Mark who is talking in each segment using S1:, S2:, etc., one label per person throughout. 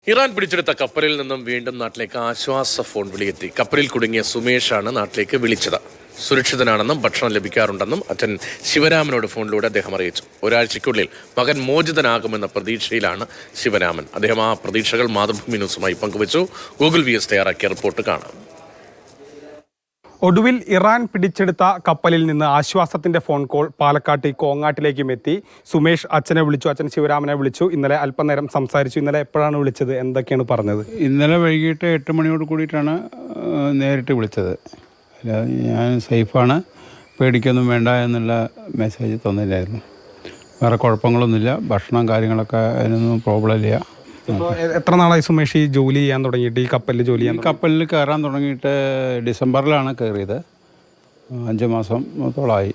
S1: Iran പിടിച്ചെടുത്ത കപ്പലിൽ നിന്നും വീണ്ടും നാട്ടിലേക്ക് ആശ്വാസ ഫോൺ വിളിയെത്തി. കപ്പലിൽ കുടുങ്ങിയ സുമേഷാണ് നാട്ടിലേക്ക് വിളിച്ചത്. സുരക്ഷിതനാണെന്നും ഭക്ഷണം ലഭിക്കാറുണ്ടെന്നും അച്ഛൻ ശിവരാമനോട് ഫോണിലൂടെ അദ്ദേഹം അറിയിച്ചു. ഒരാഴ്ചയ്ക്കുള്ളിൽ മകൻ മോചിതനാകുമെന്ന പ്രതീക്ഷയിലാണ് ശിവരാമൻ. അദ്ദേഹം ആ പ്രതീക്ഷകൾ മാതൃഭൂമി ന്യൂസുമായി പങ്കുവച്ചു. ഗൂഗിൾ VS തയ്യാറാക്കിയ റിപ്പോർട്ട് കാണാം.
S2: ഒടുവിൽ ഇറാൻ പിടിച്ചെടുത്ത കപ്പലിൽ നിന്ന് ആശ്വാസത്തിന്റെ ഫോൺ കോൾ പാലക്കാട്ട് കോങ്ങാട്ടിലേക്കും എത്തി. സുമേഷ് അച്ഛനെ വിളിച്ചു, അച്ഛൻ ശിവരാമനെ വിളിച്ചു. ഇന്നലെ അല്പനേരം സംസാരിച്ചു. ഇന്നലെ എപ്പോഴാണ് വിളിച്ചത്, എന്തൊക്കെയാണ് പറഞ്ഞത്?
S3: ഇന്നലെ വൈകിട്ട് 8 മണിയോട് കൂടിയിട്ടാണ് നേരിട്ട് വിളിച്ചത്. ഞാൻ സേഫാണ്, പേടിക്കൊന്നും വേണ്ട എന്നുള്ള മെസ്സേജ് തന്നില്ലായിരുന്നു. വേറെ കുഴപ്പങ്ങളൊന്നുമില്ല, ഭക്ഷണം കാര്യങ്ങളൊക്കെ അതിനൊന്നും പ്രോബ്ലം ഇല്ല.
S2: എത്ര നാളായി സുമേഷ് ഈ ജോലി ചെയ്യാൻ തുടങ്ങിയിട്ട്, ഈ കപ്പലിൽ ജോലി ചെയ്യാൻ?
S3: കപ്പലിൽ കയറാൻ തുടങ്ങിയിട്ട് ഡിസംബറിലാണ് കയറിയത്. 5 മാസത്തോളമായി.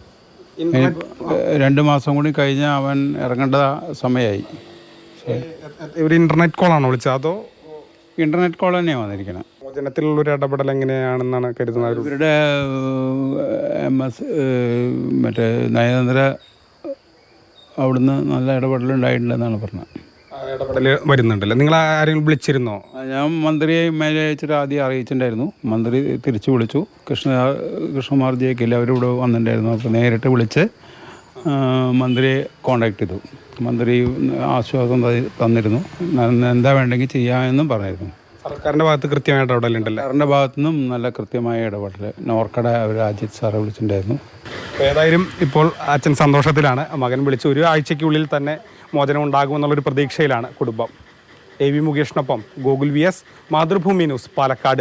S3: 2 മാസം കൂടി കഴിഞ്ഞാൽ അവൻ ഇറങ്ങേണ്ട സമയമായി.
S2: ഒരു ഇന്റർനെറ്റ് കോളാണോ വിളിച്ചത്, അതോ?
S3: ഇൻ്റർനെറ്റ് കോൾ തന്നെയാണ് വന്നിരിക്കുന്നത്.
S2: മോചനത്തിലുള്ളൊരു ഇടപെടൽ എങ്ങനെയാണെന്നാണ് കരുതുന്നത്?
S3: ഇവരുടെ MS മറ്റേ നയതന്ത്ര അവിടുന്ന് നല്ല ഇടപെടലുണ്ടായിട്ടുണ്ടെന്നാണ് പറഞ്ഞത്.
S2: ഇടപെടൽ വരുന്നുണ്ടല്ലോ. നിങ്ങൾ ആരെങ്കിലും വിളിച്ചിരുന്നോ?
S3: ഞാൻ മന്ത്രിയെ മേലെ അയച്ചിട്ട് ആദ്യം അറിയിച്ചിട്ടുണ്ടായിരുന്നു. മന്ത്രി തിരിച്ചു വിളിച്ചു. കൃഷ്ണകുമാർ ജയിക്കില്ല, അവരിവിടെ വന്നിട്ടുണ്ടായിരുന്നു. അപ്പോൾ നേരിട്ട് വിളിച്ച് മന്ത്രിയെ കോണ്ടാക്ട് ചെയ്തു. മന്ത്രി ആശ്വാസം തന്നിരുന്നു. എന്താ വേണ്ടെങ്കിൽ ചെയ്യാമെന്നും പറഞ്ഞിരുന്നു.
S2: സർക്കാരിൻ്റെ ഭാഗത്ത് കൃത്യമായ ഇടപെടലുണ്ടല്ലോ.
S3: സർക്കാരിൻ്റെ ഭാഗത്തുനിന്നും നല്ല കൃത്യമായ ഇടപെടൽ. നോർക്കട അവർ അജിത് സാറെ വിളിച്ചിട്ടുണ്ടായിരുന്നു.
S2: ഏതായാലും ഇപ്പോൾ അച്ഛൻ സന്തോഷത്തിലാണ്. മകൻ വിളിച്ച് ഒരു ആഴ്ചയ്ക്കുള്ളിൽ തന്നെ മോചനം ഉണ്ടാകുമെന്നുള്ളൊരു പ്രതീക്ഷയിലാണ് കുടുംബം. AV മുകേഷിനൊപ്പം Google VS, Mathrubhumi news, Palakkad.